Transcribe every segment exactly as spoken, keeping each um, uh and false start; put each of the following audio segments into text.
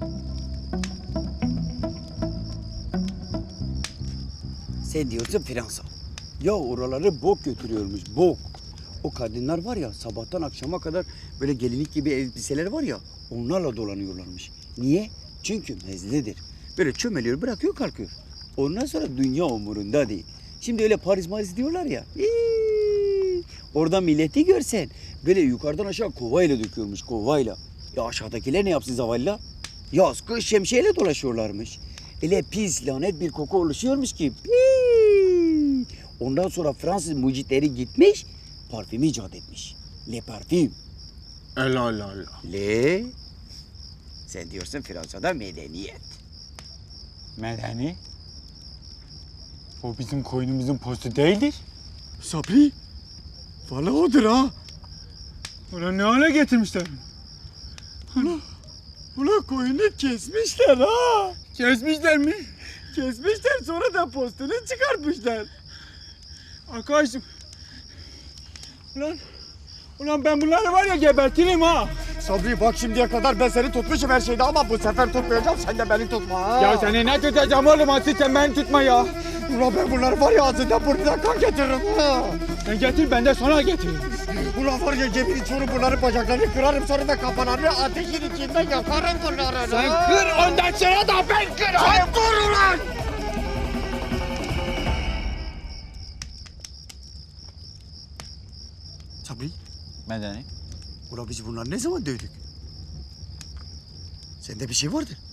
Sen diyorsun Fransa. Ya oraları bok götürüyormuş, bok. O kadınlar var ya sabahtan akşama kadar böyle gelinlik gibi elbiseler var ya onlarla dolanıyorlarmış. Niye? Çünkü mezlidir. Böyle çömeliyor bırakıyor kalkıyor. Ondan sonra dünya umurunda değil. Şimdi öyle Paris Maris diyorlar ya. iii, Orada milleti görsen böyle yukarıdan aşağı kovayla döküyormuş kovayla. Ya aşağıdakiler ne yapsın zavallı? Yaz kış şemsiyeyle dolaşıyorlarmış. Öyle pis lanet bir koku oluşuyormuş ki. Piii. Ondan sonra Fransız mucitleri gitmiş, parfümü icat etmiş. Le parfüm. Allah Allah Allah. Le. Sen diyorsun Fransa'da medeniyet. Medeni? O bizim koyunumuzun postu değildir. Sabri. Vallahi odur ha. Ulan ne hale getirmişler? Ulan koyunu kesmişler ha. Kesmişler mi? Kesmişler sonra da postunu çıkartmışlar. Arkadaşım. Ulan. Ulan ben bunları var ya gebertirim ha. Sabri bak şimdiye kadar ben seni tutmuşum her şeyde ama bu sefer tutmayacağım sen de beni tutma ha. Ya seni ne tutacağım oğlum asıl sen beni tutma ya. Ulan ben bunları var ya ağzından burnuna kan getiririm ha. Sen getir ben de sonra getiririm. Ulan var ya yemin içiyorum bunların bacaklarını kırarım sonra da kafalarını ateşin içinde yakarım bunları. Sen kır ondan sonra da ben kırarım. Sen dur ulan. Sabri. Medeni. Ulan biz bunları ne zaman dövdük? Sende bir şey vardır.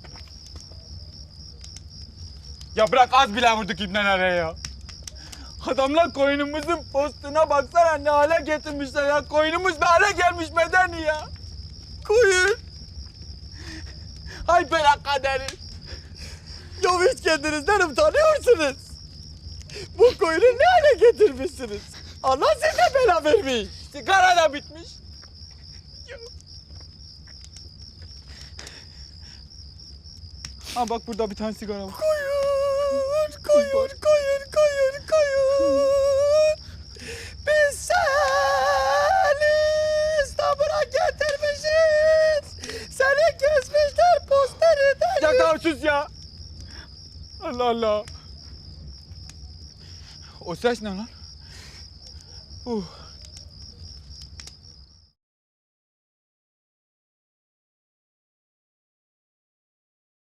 Ya bırak az bile vurduk ibnelere ya. Adamlar koyunumuzun postuna baksana ne hale getirmişler ya. Koyunumuz ne hale gelmiş Medeni ya. Koyun. Hay bela kaderi. Ya hiç kendinizden utanıyorsunuz. Bu koyunu ne hale getirmişsiniz? Allah size bela vermiş. Sigara da bitmiş. Ha bak burada bir tane sigara var. Koyun, koyun, koyun, koyun, koyun. Biz seni İstanbul'a getirmişiz. Seni kesmişler posteriden. Ya tamam sus ya. Allah Allah. O ses ne lan? Uh.